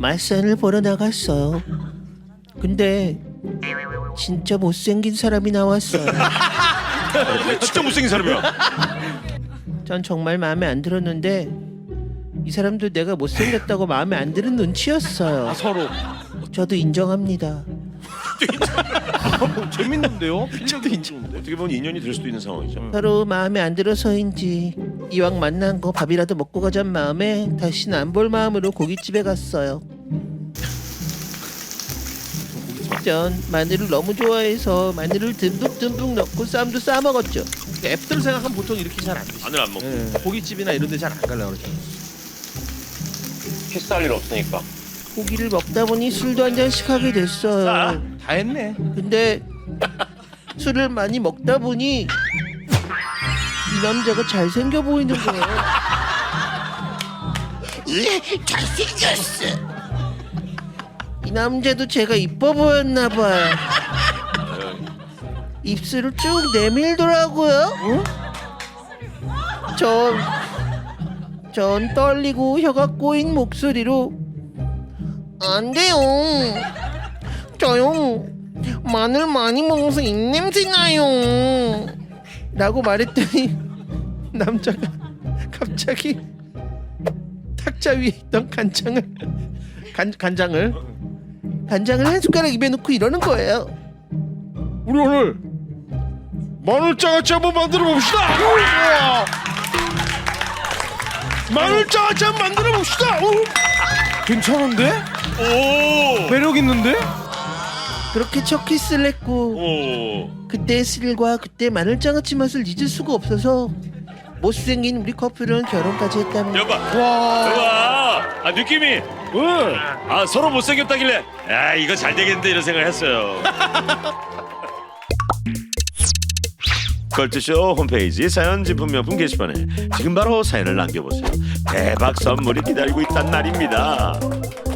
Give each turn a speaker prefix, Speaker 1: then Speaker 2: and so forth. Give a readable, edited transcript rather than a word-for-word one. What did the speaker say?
Speaker 1: 맞선을 보러 나갔어요. 근데 진짜 못생긴 사람이 나왔어요.
Speaker 2: 진짜 못생긴 사람이야.
Speaker 1: 전 정말 마음에 안 들었는데 이 사람도 내가 못생겼다고 마음에 안 드는 눈치였어요.
Speaker 3: 서로
Speaker 1: 저도 인정합니다.
Speaker 3: 재밌는데요? 필력이 좋은데.
Speaker 2: 어떻게 보면 인연이 될 수도 있는 상황이죠.
Speaker 1: 서로 마음에 안 들어서인지 이왕 만난 거 밥이라도 먹고 가자는 마음에 다시는 안 볼 마음으로 고깃집에 갔어요. 전 마늘을 너무 좋아해서 마늘을 듬뿍듬뿍 넣고 쌈도 싸 먹었죠.
Speaker 3: 앱들 생각하면 보통 이렇게 잘 안 드시죠.
Speaker 2: 마늘 안 먹고.
Speaker 3: 예, 고깃집이나 이런 데 잘 안 가려고 그러죠.
Speaker 2: 키스할 일 없으니까.
Speaker 1: 고기를 먹다 보니 술도 한 잔씩 하게 됐어요.
Speaker 3: 다 했네.
Speaker 1: 근데 술을 많이 먹다 보니 이 남자가 잘생겨 보이는 거예요. 잘생겼어. 이 남자도 제가 이뻐 보였나 봐요. 입술을 쭉 내밀더라고요. 전 떨리고 혀가 꼬인 목소리로 안 돼요. 저요. 마늘 많이 먹어서 입냄새 나요. 라고 말했더니 남자가 갑자기 탁자 위에 있던 간장을 한 숟가락 입에 넣고 이러는 거예요.
Speaker 3: 우리 오늘 마늘장아찌 한번 만들어 봅시다. 마늘장아찌 한번 만들어 봅시다. 괜찮은데?
Speaker 2: 오.
Speaker 3: 매력 있는데?
Speaker 1: 그렇게 첫 키스를 했고
Speaker 2: 오.
Speaker 1: 그때의 스릴과 그때 마늘장아찌 맛을 잊을 수가 없어서 못생긴 우리 커플은 결혼까지 했답니다.
Speaker 2: 여봐.
Speaker 3: 와.
Speaker 2: 여봐. 아 느낌이. 아 서로 못생겼다길래. 야 이거 잘 되겠는데 이런 생각을 했어요. 걸트쇼 홈페이지 사연 진품 명품 게시판에 지금 바로 사연을 남겨보세요. 대박 선물이 기다리고 있단 말입니다.